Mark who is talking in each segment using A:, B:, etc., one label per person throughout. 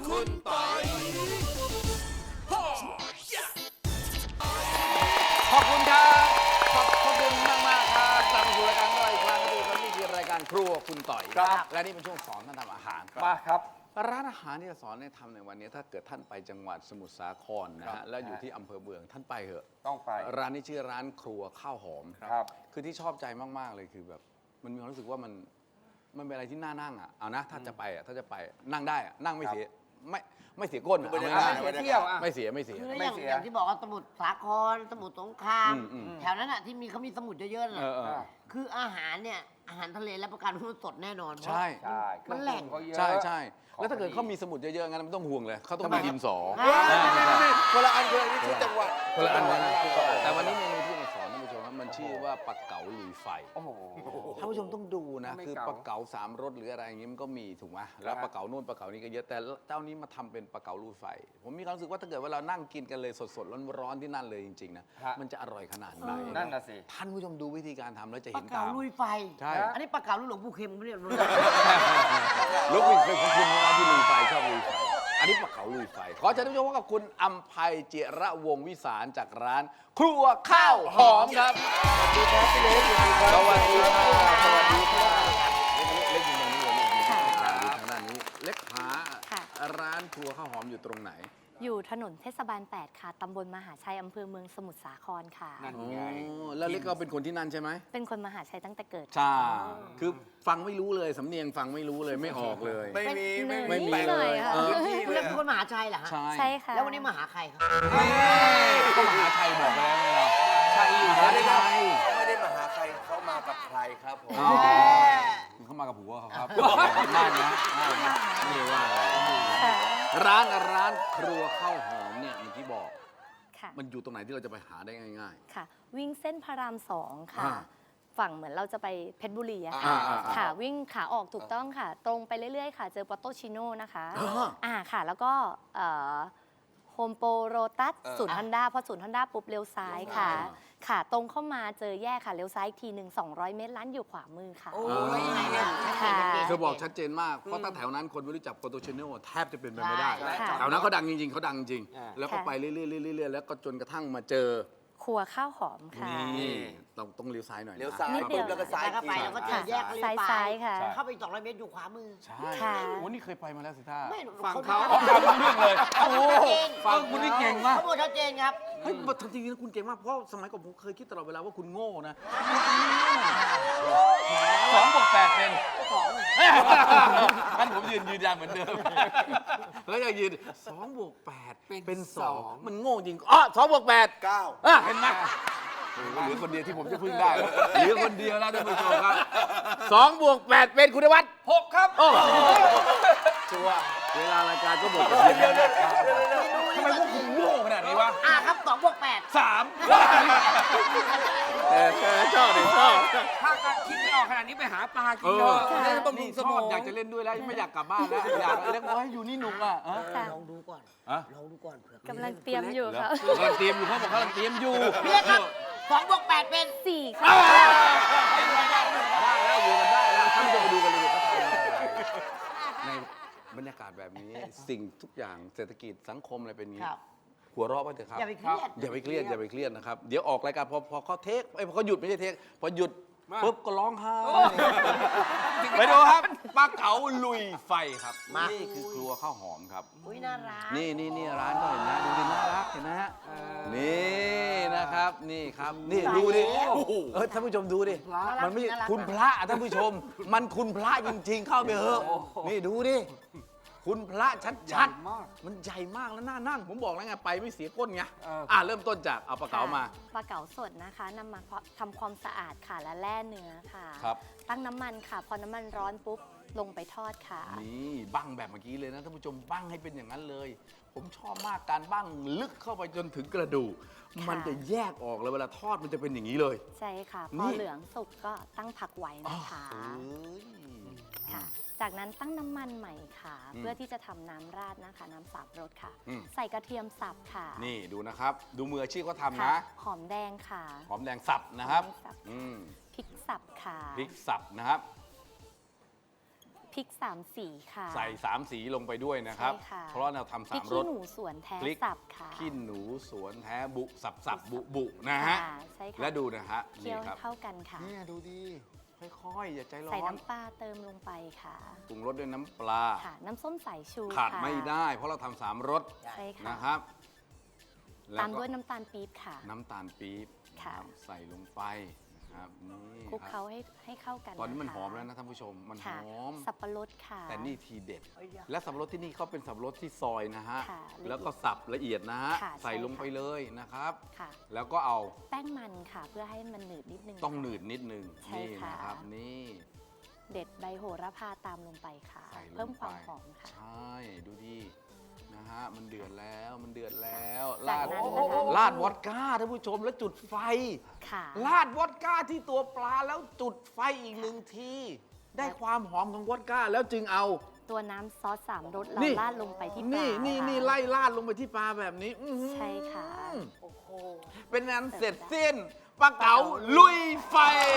A: คุณปอยขอบคุณครับขอบคุณมากๆครับกลับมาสู่รายการของเราอีกครั้งครับนี่คือรายการครัวคุณต่อยครับและนี่เป็นช่วงสอนท่านทำอาหาร
B: มาครับ
A: ร้านอาหารที่จะสอนให้ทำในวันนี้ถ้าเกิดท่านไปจังหวัดสมุทรสาครนะฮะแล้วอยู่ที่อำเภอเมืองท่านไปเถอะ
B: ต้องไป
A: ร้านนี้ชื่อร้านครัวข้าวหอม
B: ครับ
A: คือที่ชอบใจมากๆเลยคือแบบมันมีความรู้สึกว่ามันเป็นอะไรที่น่านั่งอ่ะเอานะถ้าจะไปนั่งได้อ่ะนั่งไม่เสียไม่เสียก้นเอาง่ายๆ
B: เที่ยวอ่ะ
A: ไม่เสีย
C: คือ
B: ไม่
C: อย่าง
B: เสีย
C: อย่างที่บอกว่าสมุทรสาครสมุทรสงคราม
A: อืม
C: แถวนั้นอ่ะที่เขามีสมุทรเยอะๆน่ะ
A: เออ
C: คืออาหารเนี่ยอาหารทะเลและประกันว่ามันสดแน่นอน
A: ใช่
B: ใช่
C: มันแหล่ง
B: ใช่
A: ใช่ใช่แล้วถ้าเกิดเขามีสมุดเยอะๆงั้นไม่ต้องห่วงเลยเขาต้องมีดินสอ
D: คนละอันคนละนี่ชื่อจังหวัด
A: คนละอันนะแต่วันนี้เมนูที่มาสอนท่านผู้ชมครับมันชื่อว่าปลาเก๋าลุยไฟ
B: โอ้โห
A: ท่านผู้ชมต้องดูนะ
B: ไม่
A: คือ
B: เก๋า
A: ปลาเก๋าสามรสหรืออะไรอย่างงี้มันก็มีถูกไหมแล้วปลาเก๋านู่นปลาเก๋านี่ก็เยอะแต่เจ้านี้มาทำเป็นปลาเก๋าลุยไฟ ผมมีความรู้สึกว่าถ้าเกิดว่าเรานั่งกินกันเลยสดๆร้อนๆที่นั่นเลยจริงๆนะมันจะอร่อยขนาดไหน
B: นั่นน่ะสิ
A: ท่านผู้ชมดูวิธีการทำแล้วจะ
C: ปลา
A: เห็น
C: เก๋า
A: ตาม
C: ลุยไฟ
A: ใช่
C: อันนี้ปลาเก๋าลุยหลวงปู่เข็มเขาเรียก
A: ลูกวิ่งเคยของคุณนะที่ลุยไฟชอบลุยไฟ อันนี้ปลาเก๋าลุยไฟ ขอเชิญท่านผู้ชมพบกับคุณอัมภัยเจระวงศ์วิสารจากร้าน ครัวข้าวหอมครับสวัสดีครับพี่เล็กสวัสดีครับสวัสดีครับเล็กอยู่ตรงนี้เลยเล็กอยู่ทางด้านนี้เล็กหาร้านครัวข้าวหอมอยู่ตรงไหน
E: อยู่ถนนเทศบาล 8 ค่ะ ตำบลมหาชัย อำเภอเมืองสมุทรสาครค่ะ
B: นั่น
A: อ๋อ
B: ไง
A: แล้วเล็กก็เป็นคนที่นั่นใช่ไหม
E: เป็นคนมหาชัยตั้งแต่เกิด
A: ใช่ คือฟังไม่รู้เลยสำเนียงฟังไม่รู้เลยไม่ออกเลย
D: ไม่มี
A: ไม่มี
E: หน่อยค่ะ
C: คุณเรียกเป็นคนมหาชัยเหรอฮะ
E: ใช่ค่ะ
C: แล้ววันนี้มาหาใครครับ
A: ก็มหาชัยบอกไปแล้วไงเราใช่อยู่
D: เขา
A: ใช่
D: ไม่ได้
A: ใช่
D: เขาไม่ได้มาหาใครเขามากับใครครับผม
A: อ๋อเขามากับผัวเขาครับน่านะไม่ได้ว่าอะไร
E: ค่ะ
A: ร้านครัวข้าวหอมเนี่ยเมื่อกี้บอก
E: ค่ะ
A: มันอยู่ตรงไหนที่เราจะไปหาได้ง่าย
E: ค่ะ วิ่งเส้นพระราม 2 ค่ะ
A: อ่า
E: ฝั่งเหมือนเราจะไปเพชรบุรีอะ
A: อ่า
E: ค่ะ
A: อ่า
E: ค่ะ วิ่งขาออกถูกต้องค่ะ ตรงไปเรื่อยๆ ค่ะ เจอปอโตชิโน่นะคะ
A: อ่า
E: ค่ะ แล้วก็โฮมโปโรตัสศูนย์ฮอนด้าพอศูนย์ฮอนด้าปุ๊บเลี้ยวซ้ายค่ะ ค่ะ ตรงเข้ามาเจอแยกค่ะ เลี้ยวซ้ายอีกทีหนึ่ง200 เมตรร้านอยู่ขวามือค่ะ
C: โอ้ยยังไงเนี่ย
E: ค่ะ
A: ๆเธอบอกชัดเจนมาก เพราะถ้าแถวนั้นคนไม่รู้จักโปรโตชเนลแทบจะเป็นไปไม่ได้
E: ค่ะ
A: แถวนั้นเขาดังจริงๆเขาดังจริง แล้วก็ไปเรื่อยๆๆๆแล้วก็จนกระทั่งมาเจอ
E: ครัวข้าวหอมค่ะ
A: นี่ต้องเลี้ยวซ้ายหน่อยนะ
D: เลี้ยวซ้าย
E: นิดเดียว
D: ปุ๊บแล้วก็ซ้าย
C: แล้วก็ไปแล้วก็เจอแยกก็เลี้ยวไป
E: ซ้ายๆค่ะ
C: เข้าไปอีก200 เมตรอยู่ขวามือ
A: ใช่
E: ค่ะ
A: โอ้นี่เคยไปมาแล้วสิท่า
C: ไม่
B: ฝั่งเขา
A: อ๋อฟังรู้เรื่องเลย
C: เขาพูดชัดเจน
A: ฟังคุณนี่เก่งมาก
C: เขาพูดชัดเจนครับ
A: เฮ้ยจริงๆนะคุณเก่งมาก เพราะสมัยก่อนผมเคยคิดตลอดเวลาว่าคุณโง่นะ2+8เป็นงั้นผมยืนยันเหมือนเดิม แล้วยังยืน2+8เป็น2มันโง่จริงอ๋อ2+8
D: 9
A: อ่ะเห็นไหมโอ้โหเหลือคนเดียวที่ผมจะพึ่งได้เหลือคนเดียวแล้วท่านผู้ชมครับ2+8เป็นคุณวัฒน์
B: 6 ครับ
A: โอ้โหชัวร์เวลารายการก็บอกกันเพียงแค่นี้
B: ทำไมพวกคุณโง่ขนาดนี้วะ
C: ครับ2 บวก 8
B: 3
A: ชอบดิชอบ
B: ถ้าการคิดไม่ออกขนาดนี้ไปหาปลากิ
A: เอน
B: เถ
A: อ
B: อะได้บำรุ
A: นี่
B: ง
A: ช
B: สม
A: อ
B: อบ ง
A: อยากจะเล่นด้วยแล้วไม่อยากกลับบ้านแล้วอยากเล่นว่าอยู่นี่หนุกอ่ะ
C: ลองดูก่อน
A: อะ
C: ลองดูก่อนเผื่อก
E: ำลังเตรียมอยู่ค่ะ
A: กำลังเตรียมอยู่เขาบอกกำลังเตรียมอยู่
C: พี่เล็กครับ2 บวก 8 เป็น
E: 4 ค่ะ
A: ได้แล้วอยู่กันได้แล้วท่านผู้ชมไปดูกันเลยเขาทำยังไงในบรรยากาศแบบนี้สิ่งทุกอย่างเศรษฐกิจสังคมอะไรเป็นอย่างนี้
C: ครับ
A: หัวเราะไปเถอะครับ
C: อย่าไปเครียด
A: อย่าไปเครียดอย่าไปเครียดนะครับเดี๋ยวออกรายการพอเขาเทคพอเขาหยุดไม่ใช่เทคพอหยุดปุ๊บก็ร้องไห้ไปดูครับปลาเก๋าลุยไฟครับนี่คือครัวข้าวหอมครับ
C: อุ้ยน่ารัก
A: นี่ร้านก็เห็นนะดูดิน่ารักเห็นนะฮะนี่นะครับนี่ครับนี่ดูดิท่านผู้ชมดูดิมันไม่คุณพระท่านผู้ชม มันคุณพระจริงๆเข้าไปเถอะนี่ดูดิคุณพระชัดๆมันใหญ่มากแล้วน่านั่งผมบอกแล้วไงไปไม่เสียก้นไงเริ่มต้นจากเอาปลาเก๋ามา
E: ปลาเก๋าสดนะคะนำมาทำความสะอาดค่ะและแล่เนื้อค่ะ
A: ครับ
E: ตั้งน้ำมันค่ะ พอน้ำมันร้อนปุ๊บลงไปทอดค่ะ
A: นี่บั้งแบบเมื่อกี้เลยนะท่านผู้ชมบั้งให้เป็นอย่างนั้นเลย ผมชอบมากการบั้งลึกเข้าไปจนถึงกระดูกมันจะแยกออกเลยเวลาทอดมันจะเป็นอย่างนี้เลย
E: ใช่ค่ะ
A: นี่
E: พอเหลืองสุกก็ตั้งผักไว้นะคะค่ะ จากนั้นตั้งน้ำมันใหม่ค่ะ เพื่อที่จะทำน้ำราดนะคะ น้ำสับรสค่ะ ใส่กระเทียมสับค่ะ
A: นี่ดูนะครับ ดูมืออาชีพเขาทำ
E: ค่ะ
A: นะ
E: หอมแดงค่ะ
A: หอมแดงสับนะครับ
E: หอมแดงสับ
A: อืม
E: พริกสับค่ะ
A: พริกสับนะครับ
E: พริก3 สีค่ะ
A: ใส่3 สีลงไปด้วยนะครับ
E: ใช่ค่ะ
A: เพราะว่าเราทำ
E: พริก
A: 3 ร
E: ขี้
A: ส
E: หนูสวนแท้
A: พริก
E: สับค่ะ
A: ขี้หนูสวนแท้บุสับบุนะฮะ
E: ค่ะใช่ค่ะ
A: และดูนะฮะ
E: เคี่
A: นี่
E: ยว
A: ครับ
E: เข้ากันค่ะ
A: เนี่ยดูดีค่อยๆ อย่าใจร้อ
E: ใส่
A: น
E: น้ำปลาเติมลงไปค่ะ
A: ปรุงรสด้วยน้ำปลา
E: ค่ะ น้ำส้มสายชู
A: ขาด
E: ค่ะ
A: ไม่ได้ เพราะเราทำ3 รส
E: ใช่ค่ะ
A: นะครับ
E: ตาม
A: ก็
E: ด้วยน้ำตาลปี๊บค่ะ
A: น้ำตาลปี๊บ
E: ค่ะ
A: ใส่ลงไปนะครับนี่
E: คลุก
A: ค
E: เขา
A: รับ
E: ให้เข้ากัน
A: ตอนนี้มัน
E: ะคะ
A: หอมแล้วนะท่านผู้ชมมันห
E: ค่ะ
A: อม
E: สับปะรดค่ะ
A: แต่นี่ทีเด็ด และสับปะรดที่นี่เขาเป็นสับปะรดที่ซอยนะฮะ
E: ค่ะละเอียด
A: แล้วก็สับละเอียดนะฮะ
E: ค่ะ
A: ใส่
E: ใช่
A: ลงไปเลยนะครับ
E: ค่ะ
A: แล้วก็เอา
E: แป้งมันค่ะ เพื่อให้มันหนืดนิดนึง
A: ต้อง
E: ค่ะ
A: หนืดนิดนึง
E: ใช่
A: นี่
E: ค่ะ
A: นะครับนี่
E: เด็ดใบโหระพาตามลงไปค่ะ
A: ใส่ลงไป
E: เพิ่มความหอมค่ะ
A: ใช่ดูดีนะฮะมันเดือดแล้วมันเดือดแล้ว
E: จาก
A: ราด
E: นั้นนะคะ
A: ราดวอดก้าท่านผู้ชมแล้วจุดไฟ
E: ค่ะ
A: ราดวอดก้าที่ตัวปลาแล้วจุดไฟอีก1 ที ได้ความหอมของวอดก้าแล้วจึงเอา
E: ตัวน้ำซอส3 รสเรา
A: นี่
E: ราดลงไปที่ปลา
A: นี่
E: ค่ะ
A: ไล่ราดลงไปที่ปลาแบบนี้อื้อหือ
E: ใช่ค่ะ
C: โอ้โห
A: เป็นนั้นเสร็จสิ้นปลาเก๋าลุยไฟ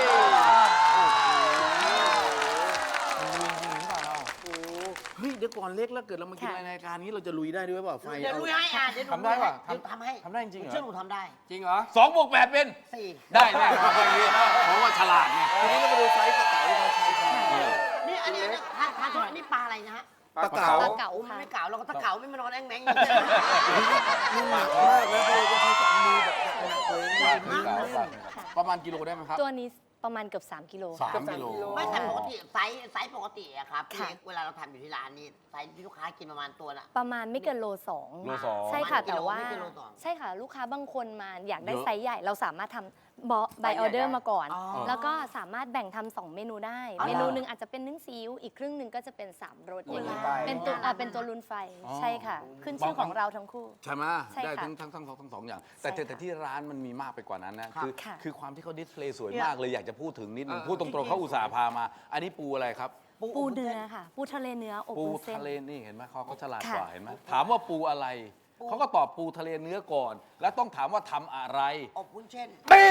A: เฮ้ยเดี๋ยวก่อนเล็กแล้วเกิดเรามากิน
E: ค่ะ
A: รายการนี้เราจะลุยได้ด้วยเปล่าไฟ
C: เดี๋ยวดูให้เดี๋ยวดู
B: ทำได้ป่ะ
C: เดี๋ยวทำให้
A: ทำได้จริงเหรอ
C: เชื่อหนูทำได้
B: จริงเหรอ
A: 2 บวก 8 เป็น
C: 4
A: ได้แน่ครับอย่างนี้เพราะว่าฉลาดไง
D: ทีนี้เรามาดูไซส์ปลาเก๋าที่เขาใช้กัน
C: นี่อันนี้ทานโทษอันนี้ปลาอะไรนะฮะ
D: ปลาเก๋า
E: ปลาเก๋า
C: โอ้มัน
E: ค่ะ
C: ไม่เก๋าเราก็ตะเก๋าไม่มานอนแองแมง
D: นี่หนักมากแล้วเราจะใช้สองมือแบบหนักๆเลย
C: ใหญ่มากเลย
A: ประมาณกิโลได้ไหมครับ
E: ตัวนี้ประมาณเกือบ3 กิโลค่ะ
A: 3 กิโล
C: ไม่แต่ปกติไซส์ปกติอะครับ
E: ค่ะ
C: เล็กเวลาเราทำอยู่ที่ร้านนี่ไซส์ที่ลูกค้ากินประมาณตัวน่ะ
E: ประมาณไม่เกินโล
A: โล
E: 2
A: 2
E: ใช่ค่ะ
C: ประมาณ
E: แต่ว่า
C: ไม่เกินโลสอง
E: ใช่ค่ะ ลูกค้าบางคนมาอยากได้
A: เยอะ
E: ไซส์ใหญ่เราสามารถทำใบออเดอร์มาก่อน
C: อ๋อ
E: แล้วก็สามารถแบ่งทำ2 เมนูได้
C: อ๋อ
E: เมนูหนึ่งอาจจะเป็นนึ่งซีอิ๊วอีกครึ่งหนึ่งก็จะเป็น3 รสอย่างนี้
C: ไป
E: เป็นตัวลุนไฟ
A: อ๋อ
E: ใช่ค่ะ ขึ้นชื่อของเราทั้งคู่
A: ใช่ไหม
E: ใช่
A: ได้
E: ค่ะ
A: ทั้งสองอย่าง แต่
E: ใช่ค่ะ
A: แต่ที่ร้านมันมีมากไปกว่านั้นนะ
C: ครับ
E: ค่ะ
A: คือความที่เขาดิสเพลย์สวย
C: เนี่ย
A: มากเลยอยากจะพูดถึงนิดนึง
B: เออ
A: พูดตรงๆเขาอุตส่าห์พามา อันนี้ปูอะไรครับ
E: ปูเนื้อค่ะ ปูทะเลเนื้ออบ
A: ปู
E: วุ้นเส้น
A: ทะเลนี่เห็นไหมเขาฉลาด
E: ค่ะ
A: กว่าเห็นไหมถามว่าปูอะไรเขาก็ตอบปูทะเลเนื้อก่อน แล้วต้องถามว่าทำอะไร
C: อบวุ้นเช่น
A: ปี้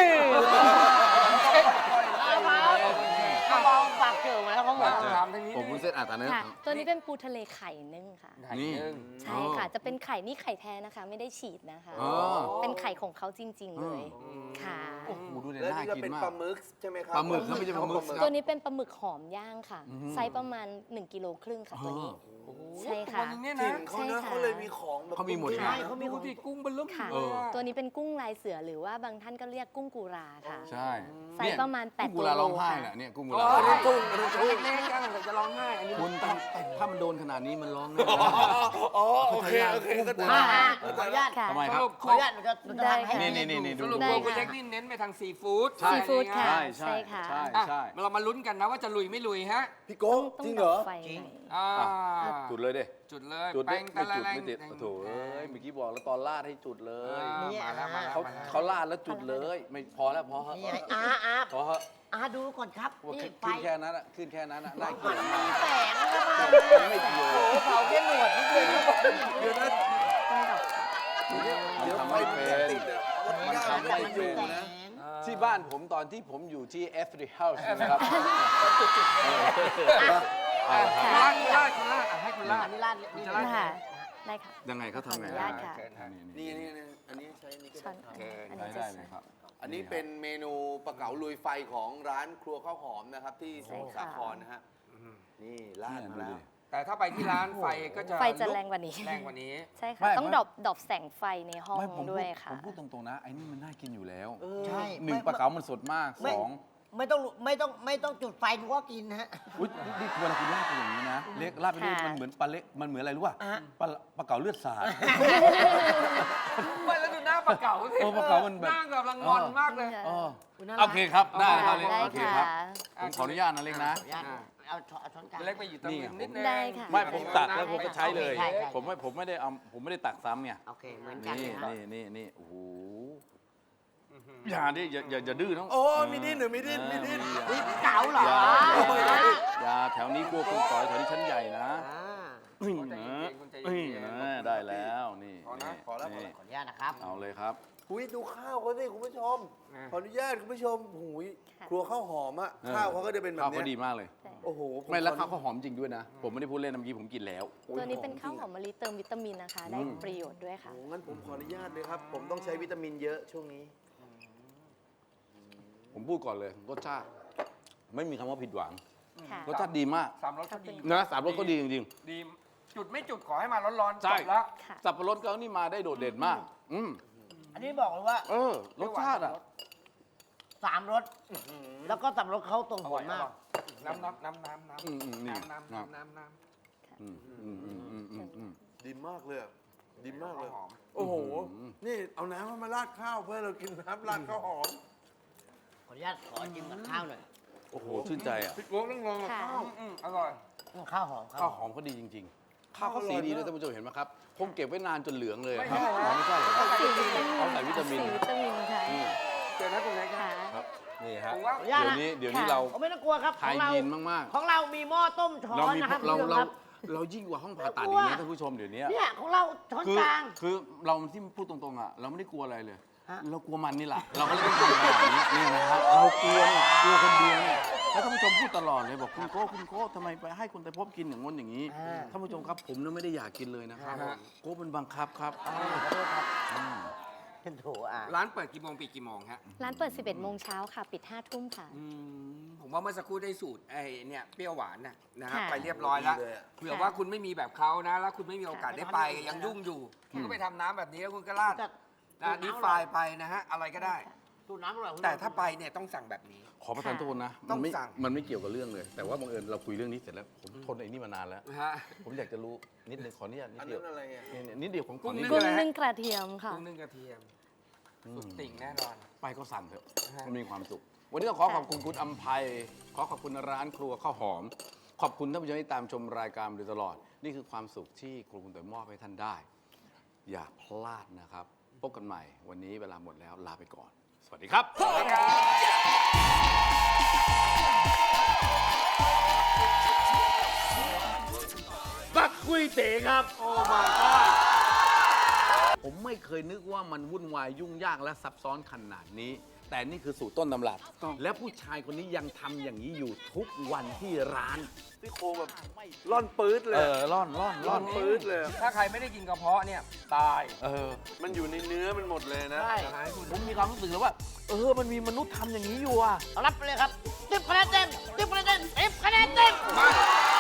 C: เขาบอกฝากเจอมาแล้วเขาบอก
B: ถามทางนี้
A: ผมวุ้นเส้นอ่ะตอนนี้
E: ค่ะ ตัวนี้เป็นปูทะเลไข่นึ่งค่ะ
A: นี่
E: ใช่ค่ะ จะเป็นไข่นี่ไข่แท้นะคะ ไม่ได้ฉีดนะคะ
A: อ๋อ
E: เป็นไข่ของเขาจริง ๆ เลย ค่ะ
A: โอ้โหดูเนี่ย
D: แล้ว
A: น่า
D: นี่ก็
A: กิน
D: เป็น
A: มาก
D: ปลาหมึกใช่ไหมครับ
A: ปลาหมึกครับไม่ใช่ปลาหมึก
E: ตัวนี้เป็นปลาหมึกหอมย่างค่ะ ไซส์ประมาณ1 กิโลครึ่งค่ะตัวนี้ ใช่ค่ะ
B: ตัวนึงเนี่ย
D: ถิ่
B: นะ
D: นเขานะ
E: ใช่ค่ะ
D: เขาเลยมีของแบบ
A: เขามีหมด
C: ใช่เขามี
B: ดูดิกุ้งเป็นลุ่ม
E: ค่ะ
B: เลยอะ
E: ตัวนี้เป็นกุ้งลายเสือหรือว่าบางท่านก็เรียกกุ้งกุราค่ะ
A: ใช่
E: ไซส์ประมาณ
A: กุ้ง
E: 8
A: กุ
E: ตัว
A: ลา
E: โล
A: ร้องไห้
E: ค่ะ
A: น่ะเนี่ยกุ้งกุ
B: โอ้
A: ลาย ร้องไห้
B: เล็กๆจังแต่จะร้องไห้อันนี้
A: คุณถ้ามันโดนขนาดนี้มันร้องแน่
D: อ๋อโอเคโอเคก็จะ
C: ขออนุญาต
E: ค่ะ
A: ทำไมครับ
C: ขออนุญาตหนูจะทำให้
A: นี่ดู
B: สรุป
E: ได้
B: ตัว
E: ค่ะ
B: คุณเล็กนี่เน้นไปทางซีฟู้ด
A: ใช่
E: ซีฟู้ดค่ะ
A: ใช่
E: ค่ะ
A: ใช่
B: อ่ะ
A: ใช่
B: เรามาลุ้นกันนะว่าจะลุยไม่ลุยฮะ
D: พี่โก้
E: ต้อง
D: จริงเหรอ
E: ดับไฟหน่อย
B: อ่า
A: จุดเลยดิ
B: จุดเลย
A: จุด
B: แป้
A: ดิ
B: ง
A: ไม่
B: ตะละ
A: จุด
B: แรง
A: ไม่ติด
B: แป้ง
A: โอ้โถเอ้ยเมื่อกี้บอกแล้วตอนลาดให้จุดเลย
B: มาแล้วมาแล้ว
A: เขา
B: มาแล้ว
A: เขาลาดแล้วจุดเลยไม่พอแล้วพอเหอะ
C: นี่ไงอา
A: พอเหอะ
C: ดูก่อนครับ
A: ว่า
C: นี่
A: ขึ้น
C: ไฟ
A: แค่นั้นอะขึ้นแค่นั้นอะน่าเกลียด
C: มัน
A: มาก
C: มีแสงแล้วมา
A: ไม่เกี่ยว
C: เผาแค่หนวดนิดเดียว
D: เดี๋ยวนะ
E: ต้องดับ
D: เดี๋ยว
A: ทำ
D: ไฟ
A: ไม่
D: มัน
A: เป็
D: จะ
A: น
D: ติดอะ
A: มันทำไม่เป็น
C: แสง
A: ที่บ้านผมตอนที่ผมอยู่ที่ Every House นะครับ
B: อ่ะคุณลาดคุณลาดคุณลาดอ่ะให้คุณลาด
C: อันนี้ลาดนี่
B: จะลาด
E: ค่ะ ได้ค่ะ
A: ยังไงเขาทำไง
E: ขออนุญาตค่ะ
B: เชิญฮะ
D: นี่อันนี้ใช้นี่ก็
E: ช้อน
D: ได้
E: อัน
A: ได้
E: นี้จะ
A: ได้เลยครับ
D: อันนี้เป็นเมนูปลาเก๋าลุยไฟของร้านครัวข้าวหอมนะครับ ที่สมุทรสาครนะฮะนี่ลาดมาแล้ว
B: แต่ถ้าไปที่ร้านไฟก็จะ
E: ไฟจะแรงกว่านี้
B: แรงกว่านี้
E: ใช่
A: ไม่
E: ค่ะ ต้อง
A: ไม่
E: ดรอปแสงไฟในห้อง
A: ไม่ผมพู
E: ด้ว
A: ด
E: ยค่ะ
A: ผมพูดตรงๆนะไอ้นี่มันน่ากินอยู่แล้ว
C: ใช่
A: หนึ่งปลาเก๋ามันสดมาก
C: ไม่
A: สอง
C: ไม่ต้องจุดไฟหนูก็กินฮะ
A: อุ๊ยนี่เวลาคุณลาดเป็นอย่างนี้นะเล็กลาดไปเรื่อย
E: ค่ะ
A: มันเหมือนปลาเล็กมันเหมือนอะไรรู้ป่ะ
C: อ่ะ
A: ปลาเก๋าเลือดสาด
B: ไม่แล้วดูหน้าปลาเก๋าสิ
A: โอ้ปลาเก๋ามันแบบ
B: หน้ากำลังงอนมากเลย
A: เออ
C: คุณน่ารัก
A: โอเคครับได้ครับเล็ก
E: ได้
A: โอเค
E: ค่ะ
A: ครับผมขออนุญาตนะเล็กนะ
C: ขออนุญาตเอาช้อนกลาง
B: เล็กไปอยู่ตรงริมนิดนึง
E: ได้ค่ะ
A: ไม่ผมตักแล้วผมก็ใช้เลย
C: ใช่
A: ผมไม่ได้เอาผมไม่ได้ตักซ้ำไง
C: โอเคเหมือนกัน
A: นี่
C: นะ
A: นี่โอ้โหอย่าดิอย่าดื้อน้อง
D: โอ้มีดิ้นหรือมีดิ้นมีดิ้น
C: นี่เก๋าเหรอ
A: อย่าแถวนี้กลัวคุณต่อยแถวนี้ชั้นใหญ่นะ
C: อ่า
A: นี่นะนี่นะได้แล้วนี่
B: พอนะ
D: พอแล้ว
A: นี่
C: ขออนุญาตนะครับ
A: เอาเลยครับ ค
D: หุยดูข้าวเขาสิคุณผู้ชม ขออนุญาตคุณผู้ชมหุย
E: ค่ะ
D: ครัวข้าวหอมอะข้าวเขาก็จะเป็นแบบ
A: ข้าว
D: เนี้
A: เขา
D: ย
A: ดีมากเลย
E: ใช่
D: โอ้โหผ
A: ไม่แล้ว
D: ขอ
A: ข้าวเขาหอมจริงด้วยนะ ผมไม่ได้พูดเล่นนะเมื่อกี้ผมกินแล้ว
E: ตัวนี้เป็นข้าวหอมมะลิเติมวิตามินนะคะ ได้ประโยชน์ด้วยค่ะ
D: โอ้งั้นผมขออนุญาตเลยครับ ผมต้องใช้วิตามินเยอะช่วงนี้
A: ผมพูดก่อนเลยรสชาติไม่มีคำว่าผิดหวัง
E: ค่ะ
A: รสชาติดีมาก
B: สามรสก็ดี
A: นะสามรสก็ดีจริง
B: ดี จุดไม่จุดขอให้มาร้อนๆ
A: ใช่
B: จบแล้ว
E: ค่ะ
A: ๆสับปะรดเขานี่มาได้โดดเด่นมาก
C: อันนี้บอกเลยว่า
A: รสชาติอ่ะ
C: 3 รส แล้วก็สับปะรดเขาตรง
B: อ
C: หั
B: ร่
C: ว
B: อย
C: มาก
B: น้ำ
A: นี่
B: น้ำ
A: อืมอืมอืมอืมอืมอืม
D: ดีมากเลยอะดีมากเลย
B: หอม
D: โอ้โห นี่เอาน้ำมาราดข้าวเพื่อเรากินน้ำราดข้าวหอม
C: ขออนุญาตขอจิ้มกับข้าวหน่อย
A: โอ้โหชื่นใจอ่ะ
D: พี่โก้ต้องลองกับ
E: ค่ะ
D: ข้าว
B: อร่อย
C: ข้าวหอม
A: ข้าวหอมเขาดีจริงๆ ข้าวเขาสีดีด้วยท่านผู้ชมเห็นไหมครับ ผมเก็บไว้นานจนเหลืองเลย
B: ไม่
A: ครับ
B: ใช่
A: อ๋อไม่ใช่เหรอครับ
E: สีวิตามิน
A: เขาใส่วิตามิน
E: สีวิตามินค่ะ
A: อืม
B: เจอนะคุณเล็ก
E: ค่ะ
A: ครับนี่ฮะ
B: ผมว่า
C: ขออนุญาต
A: เดี๋ยว
C: นะ
A: นี้เรา
C: ผมไม่ต้องกลัวครับ
A: ไฮ
C: ของเรา
A: ยีนมาก
C: ของเรามีหม้อต้มช้อ
A: ๆ เรา
C: น
A: มี
C: นะครับ
A: เรา
C: คุณผู้ชม
A: เรา
C: ครับ
A: เรายิ่งกว่าห้องผ่าตัด
C: ไม่
A: อี
C: กลัว
A: กนะท่านผู้ชมเดี๋ยวนี้
C: เนี่ยของเราช้อน
A: คือก
C: ลาง
A: คือเราที่พูดตรงๆอ่ะเราไม่ได้กลัวอะไรเลย
C: ฮะ
A: เรากลัวมันนี่แหละ เราก็เลยต้องทำแบบนี้นี่นะครับเรากลัวเนี่ยกลัวคนเดียวเนี่ยแล้วท่านผู้ชมพูดตลอดเลยบอกคุณโก้ทำไมไปให้คุณไตรภพกินอย่างง้นอย่างนี้
C: อ่า
A: ท่านผู้ชมครับผมเนี่ยไม่ได้อยากกินเลยนะครับ
B: ฮะ
A: โก้เป็นบังคับครับ
C: ขอโทษครับ
A: อืม
C: โถอ่ะ
B: ร้านเปิดกี่โมงปิดกี่โมงฮะ
E: ร้านเปิด 11 โมงเช้าค่ะ ปิด 5 ทุ่มค่ะ
B: ผมว่าเมื่อสักครู่ได้สูตรไอ้เนี่ยเปรี้ยวหวานนะฮะ
E: ค่ะ
B: ไปเรียบร้อยแล้ว
D: ดีเลยอะ
B: เผื่อว่าคุณไม่มีแบบเขานะ แล้วคุณไม่มีโอกาสได้ไปยังยุ่งอยู่คุณก็ไปทำน้ำแบบนี้แล้วคุณก็ราด
C: แต่
B: นะดีไฟไปนะฮะอะไรก็ได้
C: สูตรน้ำอร่อยคุณ
B: แต่ถ้าไปเนี่ยต้องสั่งแบบนี้
A: ขอประทานโทษนะ
B: ต้
A: มั
B: อน ง
A: ไม่
B: สั่ง
A: มันไม่เกี่ยวกับเรื่องเลย แต่ว่าบังเอิญเราคุยเรื่องนี้เสร็จแล้วผมทนไอ้นี่มานานแล้ว
B: นะฮะ
A: ผมอยากจะรู้นิดนึงขออนุญาตนิด
D: อัน
A: เดีย
D: นั้
A: วน
D: อะไรอ่ะ
A: เนี่ยนิดเดียวของข
B: กุ้
A: อง นิด
B: นึ่
A: เดี
E: กุ้
A: ยว
E: งนึ่งกระเทียมค่ะ
B: กุ้งนึ่งกระเทียมสุดติ่งแน่นอน
A: ไปก็สั่งเถอะ
B: ฮะ
A: มันมีความสุข วันนี้ต้องขอขอบคุณคุณอำไพขอขอบคุณร้านครัวข้าวหอม ขอบคุณท่านผู้ชมที่ตามชมรายการมาโดยตลอด นี่คือความสุขที่ครูคุณเต๋อมอบให้ท่านได้ อย่าพลาดนะครับ พบกันใหม่ วันนี้เวลาหมดแล้วลาไปก่อน สวัสดีครับ ปักกุ้ยเต๋ครับ โอ้มาผมไม่เคยนึกว่ามันวุ่นวายยุ่งยากและซับซ้อนขนาดนี้ แต่นี่คือสูตรต้นตำรับ และผู้ชายคนนี้ยังทำอย่างนี้อยู่ทุกวันที่ร้าน
D: พี่โคแบบร่อนปื๊ดเลย
A: ร่อน
D: ร่อนปื๊ดเลย
B: ถ้าใครไม่ได้กินกระเพาะเนี่ยตาย
D: มันอยู่ในเนื้อมันหมดเลยนะ
C: ใช่
A: ผมมีความรู้สึกเลยว่า มันมีมนุษย์ทำอย่างนี้อยู่อ่ะ
C: รับไปเลยครับ10 คะแนนเต็ม10 คะแนนเต็ม10 คะแนนเต็ม
B: มา